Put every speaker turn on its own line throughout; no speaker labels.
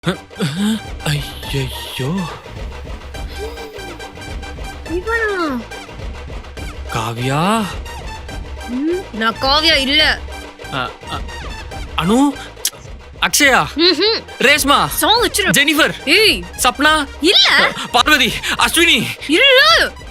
ஐயோ
இவனா?
காவியா.
நான் காவியா இல்ல.
அ, அ, அனு, அக்ஷயா, ரேஷ்மா,
சாங் வச்சிரு.
ஜெனிஃபர்,
ஏய்
சப்னா,
இல்ல
பார்வதி, அஸ்வினி.
இல்ல.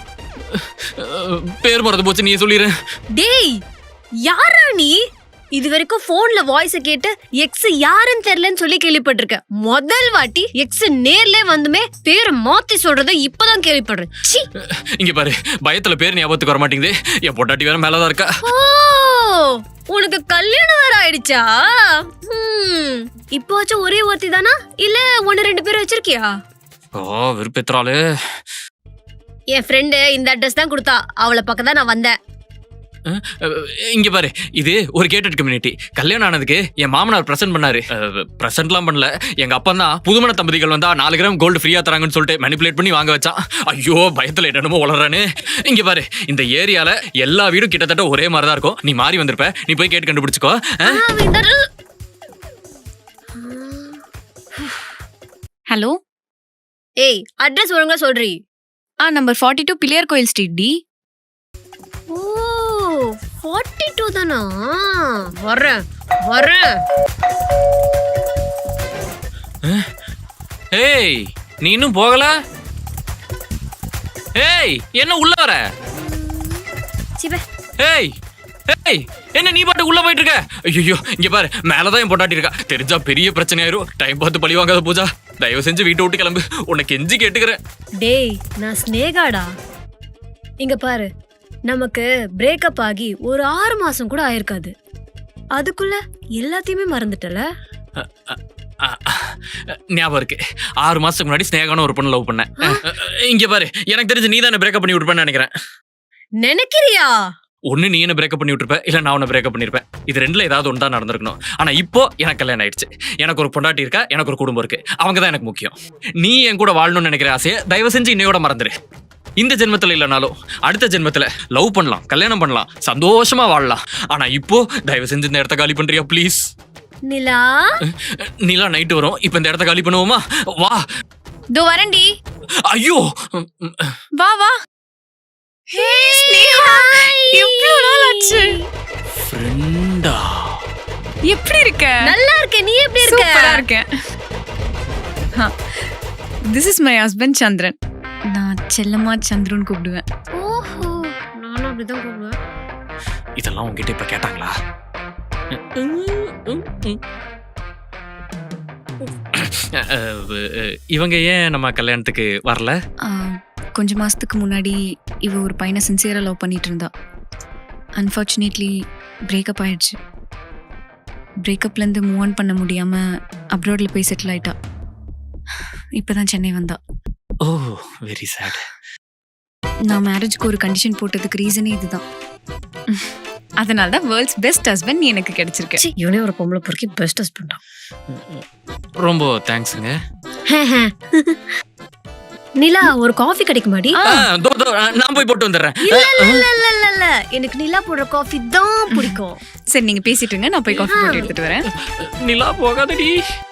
பேர் மறந்து போச்சு, நீயே சொல்லிரு.
டேய் யாரா நீ? இது வரைக்கும் போன்ல வாய்ஸ கேட்டு எக்ஸ் யாருன்னு தெரியலன்னு சொல்லி கேள்விப்பட்டிருக்கேன். முதல் வாட்டி எக்ஸ் நேர்ல வந்துமே பேரை மாத்தி சொல்றத இப்பதான் கேள்விப்படுறேன். சீ.
இங்க பாரு, பயத்துல பேர் ஞாபகத்துக்கு வர மாட்டேங்குது. என் பொட்டாட்டி வேற மேலதான் இருக்கா.
ஓ, உனக்கு கல்யாணம் வேற ஆயிடுச்சா? இப்போச்சும் ஒரே ஒருத்தி தானா இல்ல ஒன்னு ரெண்டு பேர் வச்சிருக்கியா?
ஓ, விருப்பெத்துறாளு.
என் ஃப்ரெண்டு இந்த அட்ரஸ் தான் கொடுத்தா. அவளை பக்கம் தான் நான் வந்தேன்.
இங்க பாரு, இது ஒரு கேட்டட் கம்யூனிட்டி. கல்யாணம் ஆனதுக்கு என் மாமனார் பிரசன்ட் பண்ணாரு. பிரசன்ட்லாம் பண்ணல, எங்க அப்பா தான் புதுமண தம்பதிகள் வந்தா 4 கிராம் கோல்டு ஃப்ரீயா தராங்கன்னு சொல்லிட்டு மேனிபுலேட் பண்ணி வாங்க வச்சான். ஐயோ, பயத்துல என்னமோ வளர்றானு. இங்க பாரு, இந்த ஏரியால எல்லா வீடும் கிட்டத்தட்ட ஒரே மாதிரி தான் இருக்கும். நீ மாறி வந்திருப்ப, நீ போய் கேட்டு கண்டுபிடிச்சுக்கோ.
ஹலோ.
ஏய், அட்ரஸ் ஒழுங்கா சொல்றீ.
நம்பர் 42 பிள்ளையார் கோயில் ஸ்ட்ரீட் டி.
ஓ, 42 தானா? வரேன் வரேன்.
ஏய், நீ இன்னும் போகல? ஏய், என்ன உள்ள வர?
சிபே.
ஏய் ஏய், என்ன நீ பாட்டு உள்ள போயிட்டு இருக்க? ஐயோ, இங்க பாரு, மேலதான் என் பொட்டாட்டி இருக்கா. தெரிஞ்சா பெரிய பிரச்சனையாயிரும். டைம் பார்த்து பழி வாங்காத பூஜா. தயவு செஞ்சு வீட்டை விட்டு கிளம்பு. உனக்கு கெஞ்சி கேட்டுக்கிறேன்.
டேய், நான் ஸ்னேகாடா. இங்க பாரு, நமக்கு பிரேக்கப் ஆகி ஒரு 6 மாசம் கூட ஆயிருக்காது. அதுக்குள்ள எல்லாத்தையுமே மறந்துட்டல.
ஞாபகம் இருக்கு, 6 மாசத்துக்கு முன்னாடி ஸ்னேகான ஒரு பொண்ணு லவ் பண்ணேன். இங்க பாரு, எனக்கு தெரிஞ்சு நீ தான் பிரேக்கப் பண்ணி விட்டுருப்பேன்னு நினைக்கிறேன்.
நினைக்கிறியா?
ஒன்னு நீ என்ன பிரேக்கப் பண்ணி விட்டுருப்ப, இல்ல நான் உன்னை பிரேக்கப் பண்ணிருப்பேன். இது ரெண்டுல ஏதாவது ஒன்று தான் நடந்திருக்கணும். ஆனா இப்போ எனக்கு கல்யாணம் ஆயிடுச்சு. எனக்கு ஒரு பொண்டாட்டி இருக்கா, எனக்கு ஒரு குடும்பம் இருக்கு. அவங்க தான் எனக்கு முக்கியம். நீ என் கூட வாழணும்னு நினைக்கிற ஆசையை தயவு செஞ்சு இன்னையோட மறந்துரு. இந்த ஜென்மத்துல இல்லைனாலும் அடுத்த ஜென்மத்துல லவ் பண்ணலாம், கல்யாணம் பண்ணலாம், சந்தோஷமா வாழலாம். ஆனா இப்போ தயவு செஞ்சு இந்த இடத்த காலி பண்றியா ப்ளீஸ்?
நிலா,
நிலா நைட்டு வரும். இப்ப இந்த இடத்த காலி பண்ணுவோமா? வா.
தோ வரேன்டி.
ஐயோ,
வா வா. ஹே ஸ்னேகா, எவ்வளவு நாள் ஆச்சு.
ஃப்ரெண்டா?
எப்படி இருக்க?
நல்லா இருக்கேன். நீ எப்படி இருக்க?
சூப்பரா இருக்கேன். This is my husband சந்திரன். நான் செல்லமா சந்திரன் கூப்பிடுவேன்.
ஓஹோ, நானும் அப்படிதான் கூப்பிடுவேன்.
இதெல்லாம் உங்ககிட்ட இப்ப கேட்டாங்களா? இவங்க ஏன் நம்ம கல்யாணத்துக்கு வரல?
கொஞ்ச மாசத்துக்கு முன்னாடி இவ ஒரு பையனை சின்சியரா லவ் பண்ணிட்டு இருந்தா. அன்ஃபார்ச்சுனேட்லி பிரேக்கப் ஆயிடுச்சு. பிரேக்கப்ல இருந்து மூவ் ஆன் பண்ண முடியாம அப்ராட்ல போய் செட்டில் ஆயிட்டா. இப்பதான் சென்னை வந்தா.
ஓ, வெரி சேட்.
நான் மேரேஜ்க்கு ஒரு கண்டிஷன் போட்டதுக்கு ரீசனே இதுதான். அதனால தான் வேர்ல்ட்ஸ் பெஸ்ட் ஹஸ்பண்ட் நீ எனக்கு கிடைச்சிருக்க.
இவனே ஒரு பொம்பளை பொறுக்கி பெஸ்ட் ஹஸ்பண்டா.
ரொம்ப தேங்க்ஸுங்க.
நிலா, ஒரு காஃபி கிடைக்குமாடி?
நான் போய் போட்டு வந்துடுறேன்.
இல்ல, எனக்கு நிலா போடுற காஃபி தான் பிடிக்கும்.
சரி, நீங்க பேசிட்டு இருங்க, நான் போய் காஃபி போட்டு எடுத்துட்டு வரேன்.
நிலா போகாதடி.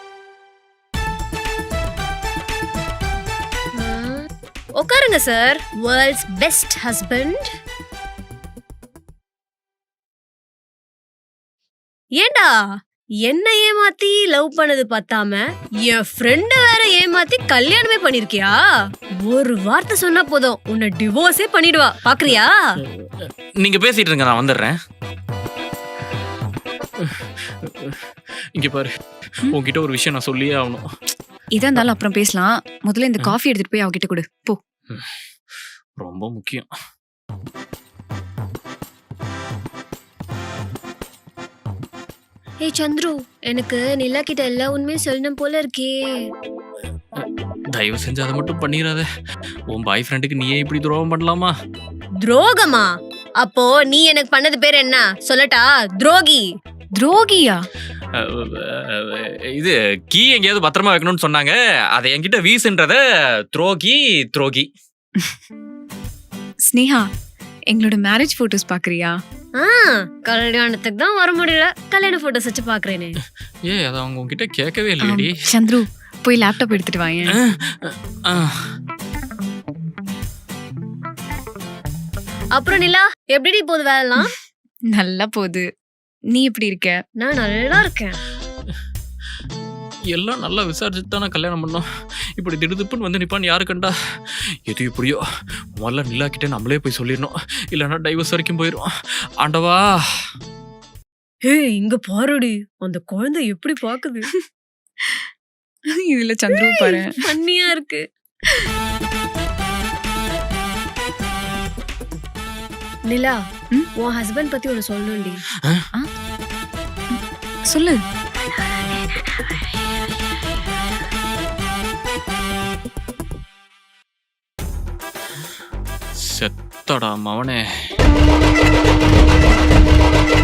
உட்காருங்க சார். World's best husband. ஏண்டா, என்ன ஏமாத்தி லவ் பண்ணது பத்தாம என் ஃப்ரெண்ட வேற ஏமாத்தி கல்யாணமே பண்ணிருக்கியா? ஒரு வார்த்தை சொன்னா போதும், உன்னை டிவோர்ஸே பண்ணிடுவா. பாக்குறியா?
நீங்க பேசிட்டு இருங்க, நான் வந்துடுறேன். இங்க பாரு, உன்கிட்ட ஒரு விஷயம் நான் சொல்லியே ஆகணும்.
இதா இருந்தாலும் அப்புறம் பேசலாம். முதல்ல இந்த காஃபி எடுத்துட்டு போய் அவகிட்ட கொடு போ.
ரொம்ப முக்கியம்.
ஏய் சந்துரு, எனக்கு நிலா கிட்ட எல்லா உண்மையும் சொல்லணும் போல இருக்கே.
தயவு செஞ்சு அதை மட்டும் பண்ணிடாத. உன் பாய் ஃப்ரெண்டுக்கு நீயே இப்படி துரோகம் பண்ணலாமா?
துரோகமா? அப்போ நீ எனக்கு பண்ணது பேர் என்ன சொல்லட்டா? துரோகி.
துரோகியா?
இது கீ எங்கேயாவது பத்திரமா வைக்கணும்னு சொன்னாங்க. அதை என்கிட்ட வீசுன்றத துரோகி துரோகி.
ஸ்னேகா, எங்களோட மேரேஜ் போட்டோஸ் பாக்குறியா?
கல்யாணத்துக்கு தான் வர முடியல, கல்யாண போட்டோஸ் வச்சு பாக்குறேனே.
அத அவங்க உங்ககிட்ட கேட்கவே இல்லையடி.
சந்துரு, போய் லேப்டாப் எடுத்துட்டு வாங்க.
ஆ,
அப்புறம் நிலா எப்படி போகுது வேலைலாம்?
நல்லா போகுது. நீ எப்படி இருக்க?
நான் நல்லா இருக்கேன்.
எல்லாம் நல்லா விசாரிச்சுட்டு தான் நான் கல்யாணம் பண்ணோம். இப்படி திடுதுப்புன்னு வந்து நிப்பான்னு யாரு கண்டா? எது எப்படியோ முதல்ல நிலாக்கிட்ட நம்மளே போய் சொல்லிடணும், இல்லைன்னா டைவர்ஸ் வரைக்கும் போயிடும். ஆண்டவா.
ஏய் இங்க பாருடி, அந்த குழந்தை எப்படி பாக்குது.
இதுல சந்துரு பாரு.
பண்ணியா இருக்கு. நிலா,
ம்?
உன் ஹஸ்பண்ட் பத்தி ஒன்னு சொல்லணும்டி.
சொல்லு.
செத்தடா மவனே.